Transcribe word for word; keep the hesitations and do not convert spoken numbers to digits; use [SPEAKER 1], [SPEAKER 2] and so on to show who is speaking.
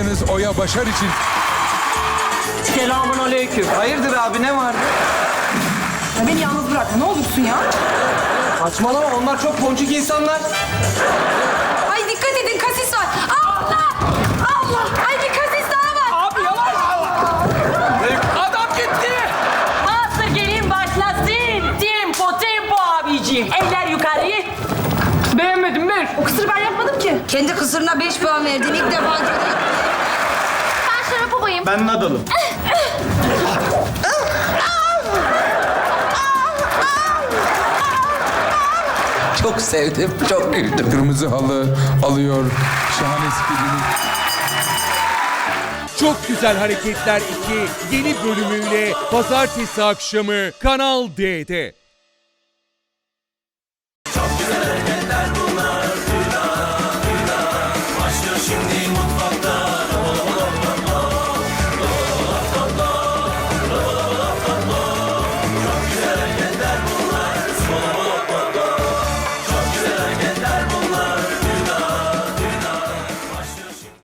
[SPEAKER 1] Yarışmacınız Oya Başar için
[SPEAKER 2] Selamun aleyküm.
[SPEAKER 3] Hayırdır abi, ne vardı?
[SPEAKER 4] Ya beni yalnız bırakma, ne olursun ya.
[SPEAKER 3] Saçmalama, onlar çok ponçik insanlar.
[SPEAKER 4] Ay dikkat edin, kasis var. Allah! Allah! Ay bir kasis daha var.
[SPEAKER 2] Abi yavaş. Adam gitti.
[SPEAKER 5] Hazır gelin başlasın. Tempo tempo abiciğim. Eller yukarı.
[SPEAKER 2] Beğenmedim ben.
[SPEAKER 4] O kısırı ben yapmadım ki.
[SPEAKER 6] Kendi kısırına beş puan verdin. İlk defa görüyorum.
[SPEAKER 5] Ben Şarapova'yım.
[SPEAKER 3] Ben Nadal'ım.
[SPEAKER 7] Çok sevdim, çok güldüm.
[SPEAKER 1] kırmızı halı alıyor şahane skillini.
[SPEAKER 8] Çok Güzel Hareketler iki yeni bölümüyle pazartesi akşamı Kanal D'de.